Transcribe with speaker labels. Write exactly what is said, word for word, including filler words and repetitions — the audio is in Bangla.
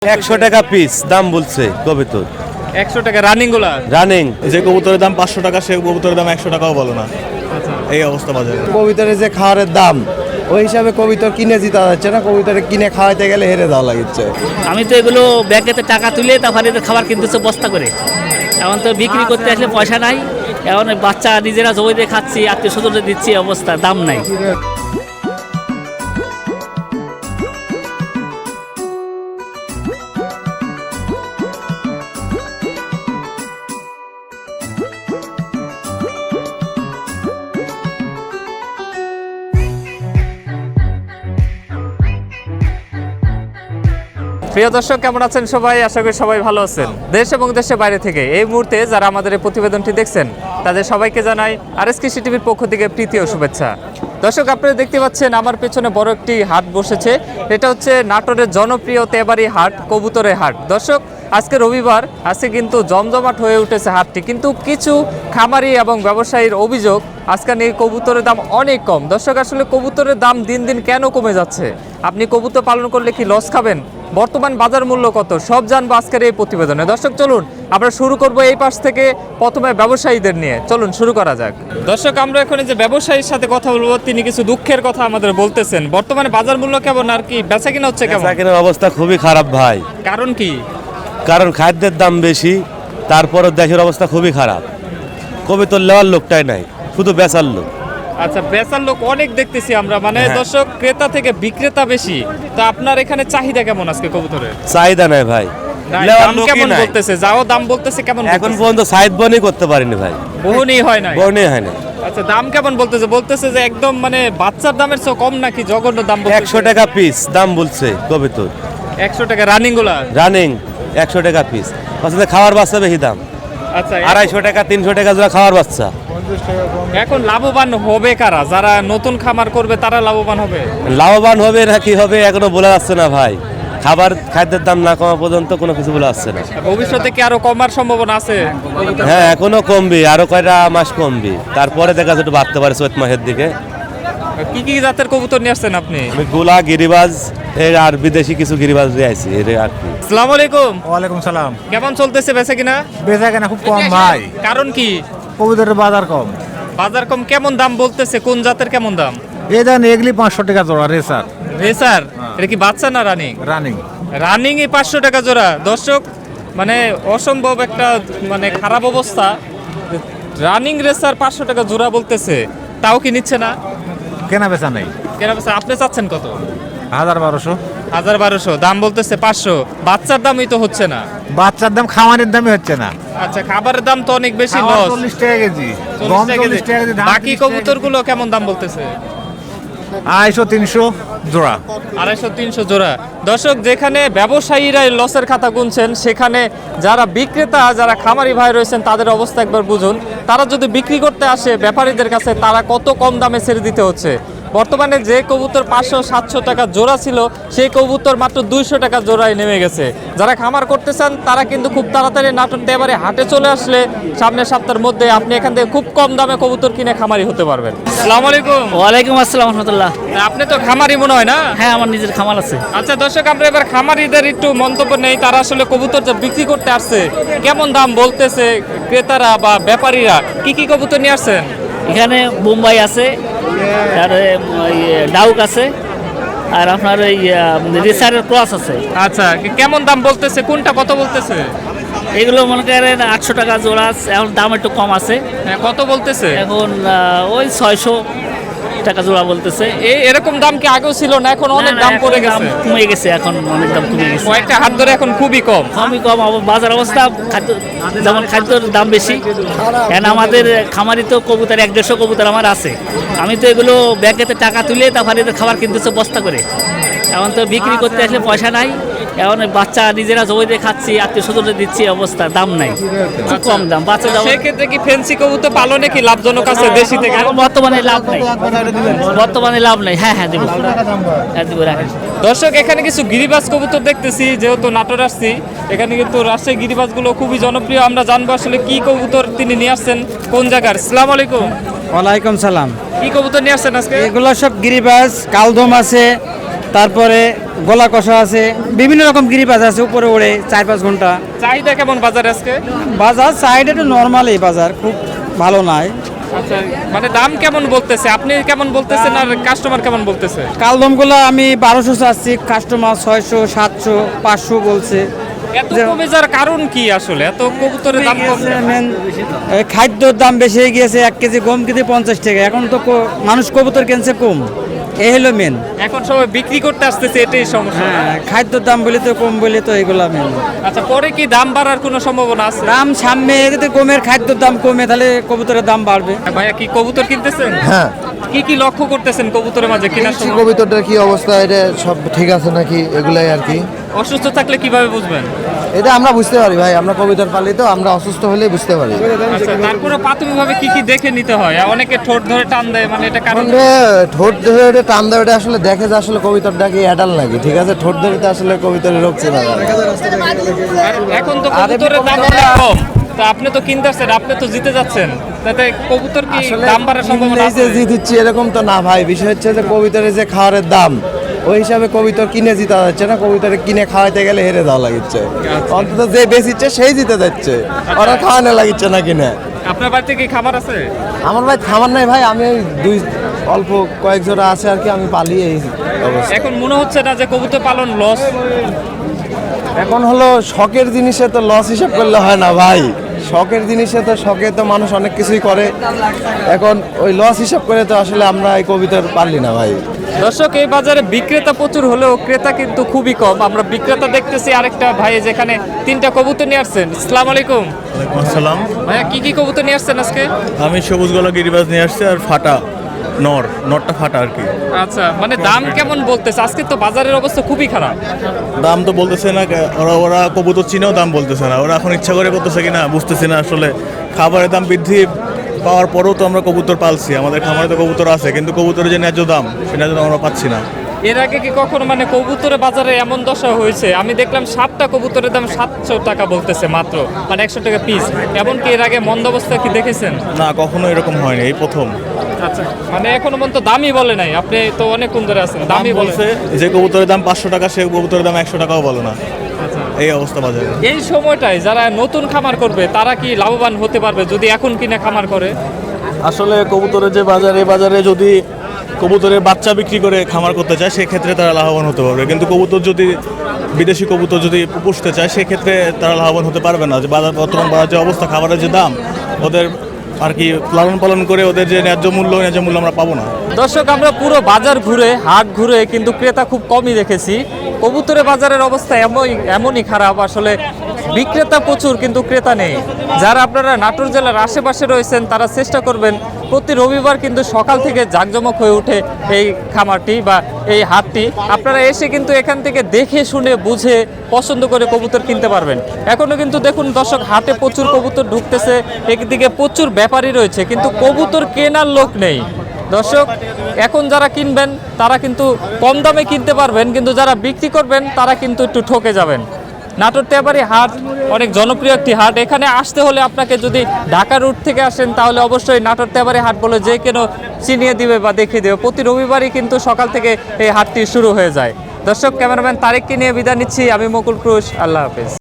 Speaker 1: একশো টাকা পিস দাম বলছে কবুতর।
Speaker 2: একশো টাকা রানিং গুলা
Speaker 1: রানিং
Speaker 3: যে কবুতরের দাম পাঁচশো টাকা সে কবুতরের দাম একশো টাকাও বলো না। এই অবস্থা বাজারে।
Speaker 4: কবিতরের যে খাওয়ারের দাম ওই হিসাবে কবিতর কিনে জিতা যাচ্ছে না, কবিতরে কিনে খাওয়াইতে গেলে হেরে দেওয়া লাগছে।
Speaker 5: আমি তো এগুলো ব্যাগেতে টাকা তুলে তারপরে এদের খাবার কিনতেছে বস্তা করে। এখন তো বিক্রি করতে আসলে পয়সা নাই, এখন বাচ্চা নিজেরা জমি দিয়ে খাচ্ছি, আত্মীয় স্বজনদের দিচ্ছি, অবস্থা দাম নাই।
Speaker 2: প্রিয় দর্শক, কেমন আছেন সবাই? আশা করি সবাই ভালো আছেন। দেশ এবং দেশের বাইরে থেকে এই মুহূর্তে যারা আমাদের এই প্রতিবেদনটি দেখছেন তাদের সবাইকে জানাই আরএস কৃষি টিভির পক্ষ থেকে প্রীতি ও শুভেচ্ছা। দর্শক, আপনারা দেখতে পাচ্ছেন আমার পেছনে বড় একটি হাট বসেছে। এটা হচ্ছে নাটোরের জনপ্রিয় তেবাড়ি হাট, কবুতরের হাট। দর্শক, আজকে রবিবার, আজকে কিন্তু জমজমাট হয়ে উঠেছে হাটটি, কিন্তু কিছু খামারি এবং ব্যবসায়ীর অভিযোগ আজকে নিয়ে কবুতরের দাম অনেক কম। দর্শক, আসলে কবুতরের দাম দিন দিন কেন কমে যাচ্ছে? আপনি কবুতর পালন করলে কি লস খাবেন? বর্তমান বাজার মূল্য কত? সব জানবো আজকের এই প্রতিবেদনে। দর্শক, চলুন আমরা শুরু করব এই পাশ থেকে, প্রথমে ব্যবসায়ীদের নিয়ে। চলুন শুরু করা যাক। দর্শক, আমরা এখন যে ব্যবসায়ীর সাথে কথা বলবো, তিনি কিছু দুঃখের কথা আমাদের বলতেছেন। বর্তমানে বাজার মূল্য কেমন আর কি বেচা কিনা হচ্ছে কেমন?
Speaker 1: বেচা কেনার অবস্থা খুবই খারাপ ভাই।
Speaker 2: কারণ কি?
Speaker 1: কারণ খাদ্যের দাম বেশি, তারপরও দেশের অবস্থা খুবই খারাপ। কবুতর লেওয়ার লোকটাই নাই, শুধু বেচার লোক।
Speaker 2: আচ্ছা, বেচার লোক অনেক দেখতেছি আমরা, মানে দর্শক ক্রেতা থেকে বিক্রেতা বেশি। তো আপনার এখানে চাহিদা কেমন আজকে কবুতরের?
Speaker 1: চাহিদা নাই ভাই,
Speaker 2: দাম কেমন বলতেছে? যাও দাম বলতেছে কেমন?
Speaker 1: এখন পর্যন্ত সাইড বনই করতে পারিনি ভাই,
Speaker 2: বহুনি হয় না,
Speaker 1: বনই হয় না।
Speaker 2: আচ্ছা, দাম কেমন বলতেছে? বলতেছে যে একদম মানে বাচ্চার দামের চেয়ে কম নাকি জঘন্য দাম বলতেছে।
Speaker 1: একশো টাকা পিস দাম বলছে কবুতর।
Speaker 2: একশো টাকা রানিং গুলা?
Speaker 1: রানিং একশো টাকা পিস। আসলে খাওয়ার বাচ্চা বেশি দাম।
Speaker 2: আচ্ছা,
Speaker 1: আড়াইশো টাকা তিনশো টাকা জোড়া খাওয়ার বাচ্চা।
Speaker 2: এখন লাভবান হবে কারা? যারা নতুন খামার করবে তারা লাভবান হবে?
Speaker 1: লাভবান হবে না কি হবে এখনো বলা যাচ্ছে না ভাই। খাবার খাদ্যের দাম না কমা পর্যন্ত কোনো কিছু বলা যাচ্ছে না।
Speaker 2: ভবিষ্যতে কি আরো কমার সম্ভাবনা আছে?
Speaker 1: হ্যাঁ, এখনো কমবি, আরো কয়টা মাস কমবি, তারপরে দেখা যাচ্ছে একটু বাড়তে পারে চৈত মাসের দিকে।
Speaker 2: কি কি জাতের কবুতর নিয়ে আসছেন আপনি?
Speaker 1: আমি গোলা, গিরিবাজ এর আর বিদেশি কিছু গিরিবাজ দিয়ে আইছি এর আর কি।
Speaker 2: আসসালামু আলাইকুম।
Speaker 3: ওয়ালাইকুম সালাম।
Speaker 2: কেমন চলতেছে বেচা কিনা?
Speaker 3: বেচা কেনা খুব কম ভাই,
Speaker 2: কারণ কি?
Speaker 3: কবুতরের বাজার কম।
Speaker 2: বাজার কম? কেমন দাম বলতেছে? কোন জাতের কেমন দাম?
Speaker 3: এই দাম এগুলি পাঁচশো টাকা জোড়া রেসার।
Speaker 2: রেসার? এটা কি বাচ্চা না রানিং?
Speaker 3: রানিং।
Speaker 2: রানিং এ পাঁচশো টাকা জোড়া। দর্শক, মানে অসম্ভব একটা মানে খারাপ অবস্থা। রানিং রেসার পাঁচশো টাকা জোড়া বলতেছে, তাও কি নিচ্ছে না?
Speaker 3: কেনা বেচা নেই।
Speaker 2: কেনা বেচা আপনি চাচ্ছেন কত?
Speaker 3: হাজার বারোশো।
Speaker 2: হাজার বারোশো দাম বলতেছে, পাঁচশো। বাচ্চার দামই তো হচ্ছে না।
Speaker 3: বাচ্চার দাম খাওয়ানোর দামই হচ্ছে না।
Speaker 2: আচ্ছা, খাবারের দাম তো অনেক বেশি,
Speaker 3: খাওয়া
Speaker 2: লস।
Speaker 3: চল্লিশ টাকা কেজি,
Speaker 2: চল্লিশ
Speaker 3: গম
Speaker 2: টাকা
Speaker 3: চল্লিশ টাকা কেজি, ধান
Speaker 2: বাকি
Speaker 3: তিরিশ টাকা
Speaker 2: কবুতর
Speaker 3: কেজি।
Speaker 2: গুলো কেমন দাম বলতেছে?
Speaker 3: আড়াইশো তিনশো জোড়া।
Speaker 2: আড়াইশো তিনশো জোড়া। দর্শক, যেখানে ব্যবসায়ীরা লসের খাতা গুনছেন, সেখানে যারা বিক্রেতা, যারা খামারি ভাই রয়েছেন তাদের অবস্থা একবার বুঝুন। তারা যদি বিক্রি করতে আসে ব্যাপারীদের কাছে, তারা কত কম দামে ছেড়ে দিতে হচ্ছে। বর্তমানে যে কবুতর পাঁচশো সাতশো টাকা জোড়া ছিল, সেই কবুতর মাত্র দুইশো টাকা জোড়ায় নেমে গেছে। যারা খামার করতে চান তারা কিন্তু খুব তাড়াতাড়ি নাটোর তেবাড়ি হাটে চলে আসলে সামনের সপ্তাহের মধ্যে আপনি এখান থেকে খুব কম দামে কবুতর কিনে খামারি হতে পারবেন। আসসালামু আলাইকুম।
Speaker 5: ওয়ালাইকুম আসসালাম রহমতুল্লাহ।
Speaker 2: আপনি তো খামারি মনে হয় না?
Speaker 5: হ্যাঁ, আমার নিজের খামার আছে।
Speaker 2: আচ্ছা দর্শক, আমরা এবার খামারিদের একটু মন্তব্য নেই। তারা আসলে কবুতর যে বিক্রি করতে আসছে, কেমন দাম বলতেছে ক্রেতারা বা ব্যাপারীরা? কি কি কবুতর নিয়ে আসছেন?
Speaker 5: এখানে বোম্বাই আছে, তারপরে ডাউক আছে, আর আপনার ওই রেসারের ক্রস আছে।
Speaker 2: আচ্ছা, কেমন দাম বলতেছে? কোনটা কত বলতেছে?
Speaker 5: এগুলো মনে করেন আটশো টাকা জোড়া, এখন দাম একটু কম আছে।
Speaker 2: হ্যাঁ, কত বলতেছে?
Speaker 5: এখন আহ, ওই ছয়শো টাকা জোড়া বলতেছে।
Speaker 2: এই এরকম দাম কি আগেও ছিল না? এখন অনেক
Speaker 5: না, না,
Speaker 2: দাম পড়ে
Speaker 5: এখন
Speaker 2: গেছে,
Speaker 5: কমে গেছে, এখন অনেক দাম কমে গেছে।
Speaker 2: কয়েকটা হাত ধরে এখন খুবই কম।
Speaker 5: কমই কম আবার বাজার অবস্থা, খাদ্য যেমন খাদ্যর দাম বেশি। এখন আমাদের খামারি তো কবুতর এক দেড়শো কবুতর আমার আছে। আমি তো এগুলো ব্যাগেতে টাকা তুলে তারপরে এদের খাবার কিনতেছে বস্তা করে। এখন তো বিক্রি করতে আসলে পয়সা নাই, এখন বাচ্চা নিজেরা জমি দিয়ে খাচ্ছি, আত্মীয় স্বজনদের দিচ্ছি, অবস্থা দাম নাই, খুব কম দাম। বাচ্চা দাম
Speaker 2: সেক্ষেত্রে কি ফেন্সি কবুতর পালনে কি লাভজনক আছে দেশি থেকে?
Speaker 5: এখন বর্তমানে লাভ নেই, বর্তমানে লাভ নেই। হ্যাঁ হ্যাঁ দেবো, হ্যাঁ দেবো, রাখেন।
Speaker 2: দর্শক, এখানে কিছু গিরিবাজ কবুতর দেখতেছি, যেহেতু নাটোর আসছি, এখানে কিন্তু রাজশাহী গিরিবাজগুলো খুবই জনপ্রিয়। আমরা জানবো আসলে কি কবুতর তিনি নিয়ে আসছেন, কোন জায়গার। আসসালামু আলাইকুম।
Speaker 6: ওয়ালাইকুম সালাম।
Speaker 2: কি কবুতর নিয়ে আসছেন আজকে?
Speaker 6: এগুলো সব গিরিবাজ, কালদম আছে, তারপরে গলা কষা আছে, বিভিন্ন রকম গিরিবাজ আছে, উপরে ওড়ে চার পাঁচ ঘন্টা।
Speaker 2: চাহিদা কেমন বাজারে আজকে?
Speaker 6: বাজার সাইড একটু নর্মালই, বাজার খুব ভালো নাই।
Speaker 2: আচ্ছা, মানে দাম কেমন বলতেছে, আপনি কেমন বলতেছেন আর কাস্টমার কেমন বলতেছে?
Speaker 6: কালদমগুলো আমি বারোশো চাচ্ছি, কাস্টমার ছয়শো সাতশো পাঁচশো বলছে।
Speaker 2: এত কমে যাওয়ার কারণ কি আসলে? এত কবুতরের দাম কম কেন?
Speaker 6: মেন খাদ্যর দাম বেশি হয়ে গিয়েছে, এক কেজি গম কেজি পঞ্চাশ টাকা। এখন তো ক- মানুষ কবুতর কিনছে কম, এই হলো মেন।
Speaker 2: এখন সবাই বিক্রি করতে আসতেছে, এটাই সমস্যা।
Speaker 6: হ্যাঁ, খাদ্যর দাম বলে তো কম বলে তো এগুলা মেন।
Speaker 2: আচ্ছা, পরে কি দাম বাড়ার কোনো সম্ভাবনা আছে?
Speaker 6: দাম সামনে যদি গমের খাদ্যর দাম কমে তাহলে কবুতরের দাম বাড়বে।
Speaker 2: ভাইয়া কি কবুতর কিনতেছেন?
Speaker 4: হ্যাঁ,
Speaker 2: কি কি লক্ষ্য করতেছেন কবুতরের মাঝে কেনার সময়?
Speaker 4: কবিতাটার কি অবস্থা, এটা সব ঠিক আছে নাকি, এগুলাই আর কি।
Speaker 2: অসুস্থ থাকলে কিভাবে বুঝবেন?
Speaker 4: এটা আমরা বুঝতে পারি ভাই, আমরা কবিতার পালি তো, আমরা অসুস্থ হলেই বুঝতে পারি।
Speaker 2: আচ্ছা, তারপরে প্রাথমিকভাবে কি কি দেখে নিতে হয়? অনেকে ঠোঁট ধরে টান দেয়, মানে এটা কারণ
Speaker 4: মানে ঠোঁট ধরে ওটা টান দেয়, ওটা আসলে দেখে যে আসলে কবিতাটা কি অ্যাডাল নাকি, ঠিক আছে। ঠোঁট ধরে তো আসলে কবিতার রোগ চেনা যায় না।
Speaker 2: আর এখন তো কবুতরের দাম অনেক কম, তা আপনি তো কিনতে আসছেন, আপনি তো জিতে যাচ্ছেন, তাতে কবুতর কি দাম বাড়ার সম্ভাবনা
Speaker 4: এই যে
Speaker 2: আছে?
Speaker 4: জি দিচ্ছি এরকম তো না ভাই, বিষয় হচ্ছে যে কবিতারের যে খাওয়ারের দাম, ওই হিসাবে কবিতর কিনে জিতা যাচ্ছে না, কবিতরে কিনে খাওয়াইতে গেলে হেরে যাওয়া লাগিচ্ছে। অন্তত যে বেচিচ্ছে সেই জিতে যাচ্ছে, ওরা খাওয়ানো লাগিচ্ছে না কিনে।
Speaker 2: আপনার বাড়িতে কি খাবার আছে?
Speaker 4: আমার ভাই খাবার নাই ভাই, আমি ওই দুই অল্প কয়েক জোড়া আছে আর কি, আমি পালি এই অবস্থা।
Speaker 2: এখন মনে হচ্ছে না যে কবুতর পালন লস?
Speaker 4: এখন হলো শখের জিনিসে তো লস হিসাব করলে হয় না ভাই, শখের জিনিসে তো শখে তো মানুষ অনেক কিছুই করে, এখন ওই লস হিসাব করে তো আসলে আমরা এই কবিতার পারলি না ভাই।
Speaker 2: দর্শক, এই বাজারে বিক্রেতা প্রচুর হলেও ক্রেতা কিন্তু খুবই কম। আমরা বিক্রেতা দেখতেছি আরেকটা ভাই, যেখানে তিনটা কবুতর নিয়ে আসছেন। আসসালামু আলাইকুম
Speaker 3: ওয়ালাইকুম আসসালাম।
Speaker 2: ভাইয়া, কি কি কবুতর নিয়ে আসছেন আজকে?
Speaker 3: আমি সবুজ গলা গিরিবাজ নিয়ে আসছি আর ফাটা নর, নরটা ফাটা আর কি।
Speaker 2: আচ্ছা, মানে দাম কেমন বলতেছে? আজকে তো বাজারের অবস্থা খুবই খারাপ।
Speaker 3: দাম তো বলতেছে না, ওরা ওরা কবুতর চিনেও দাম বলতেছে না, ওরা এখন ইচ্ছা করে করতেছে কিনা বুঝতেছি না আসলে। খাবারের দাম বৃদ্ধি পাওয়ার পরেও তো আমরা কবুতর পালছি, আমাদের খামারে তো কবুতর আছে, কিন্তু কবুতরের যে ন্যায্য দাম সেটা যেন আমরা পাচ্ছি না।
Speaker 2: এর আগে কি কখনো মানে কবুতরের বাজারে এমন দশা হয়েছে? আমি দেখলাম সাতটা কবুতরের দাম সাতশো টাকা বলতেছে মাত্র, মানে একশো টাকা পিস। এমনকি এর আগে মন্দাবস্থা কি দেখেছেন?
Speaker 3: না, কখনো এরকম হয়নি, এই প্রথম।
Speaker 2: আচ্ছা, মানে এখনো পর্যন্ত দামই বলে নাই। আপনি তো অনেকক্ষণ ধরে আছেন,
Speaker 3: দামই
Speaker 2: দামই বলছে।
Speaker 3: বলছে যে কবুতরের দাম পাঁচশো টাকা, সে কবুতরের দাম একশো টাকাও বলে না, এই অবস্থা বাজারে।
Speaker 2: এই সময়টায় যারা নতুন খামার করবে তারা কি লাভবান হতে পারবে যদি এখন কিনে খামার করে?
Speaker 3: আসলে কবুতরের যে বাজার, এই বাজারে যদি কবুতরের বাচ্চা বিক্রি করে খামার করতে চায় সেক্ষেত্রে তারা লাভবান হতে পারবে, কিন্তু কবুতর যদি বিদেশি কবুতর যদি পুষতে চায় সেক্ষেত্রে তারা লাভবান হতে পারবে না। যে বাজার বর্তমান বাজার যে অবস্থা, খাবারের যে দাম, ওদের আর কি লালন পালন করে ওদের যে ন্যায্য মূল্য, ন্যায্য মূল্য আমরা পাবো না।
Speaker 2: দর্শক, আমরা পুরো বাজার ঘুরে হাট ঘুরে কিন্তু ক্রেতা খুব কমই দেখেছি। কবুতরের বাজারের অবস্থা এমনই এমনই খারাপ, আসলে বিক্রেতা প্রচুর কিন্তু ক্রেতা নেই। যারা আপনারা নাটোর জেলার আশেপাশে রয়েছেন তারা চেষ্টা করবেন প্রতি রবিবার কিন্তু সকাল থেকে জাঁকজমক হয়ে ওঠে এই খামারটি বা এই হাটটি। আপনারা এসে কিন্তু এখান থেকে দেখে শুনে বুঝে পছন্দ করে কবুতর কিনতে পারবেন। এখনও কিন্তু দেখুন দর্শক, হাটে প্রচুর কবুতর ঢুকতেছে, একদিকে প্রচুর ব্যাপারী রয়েছে, কিন্তু কবুতর কেনার লোক নেই। দর্শক, এখন যারা কিনবেন তারা কিন্তু কম দামে কিনতে পারবেন, কিন্তু যারা বিক্রি করবেন তারা কিন্তু একটু ঠকে যাবেন। নাটোর তেবাড়ি হাট অনেক জনপ্রিয় একটি হাট। এখানে আসতে হলে আপনাকে যদি ঢাকা রুট থেকে আসেন তাহলে অবশ্যই নাটোর তেবাড়ি হাট বলে যে কেন চিনিয়ে দিবে বা দেখিয়ে দেবে। প্রতি রবিবারই কিন্তু সকাল থেকে এই হাটটি শুরু হয়ে যায়। দর্শক, ক্যামেরাম্যান তারেককে নিয়ে বিদায় নিচ্ছি, আমি মুকুল ক্রুশ। আল্লাহ হাফেজ।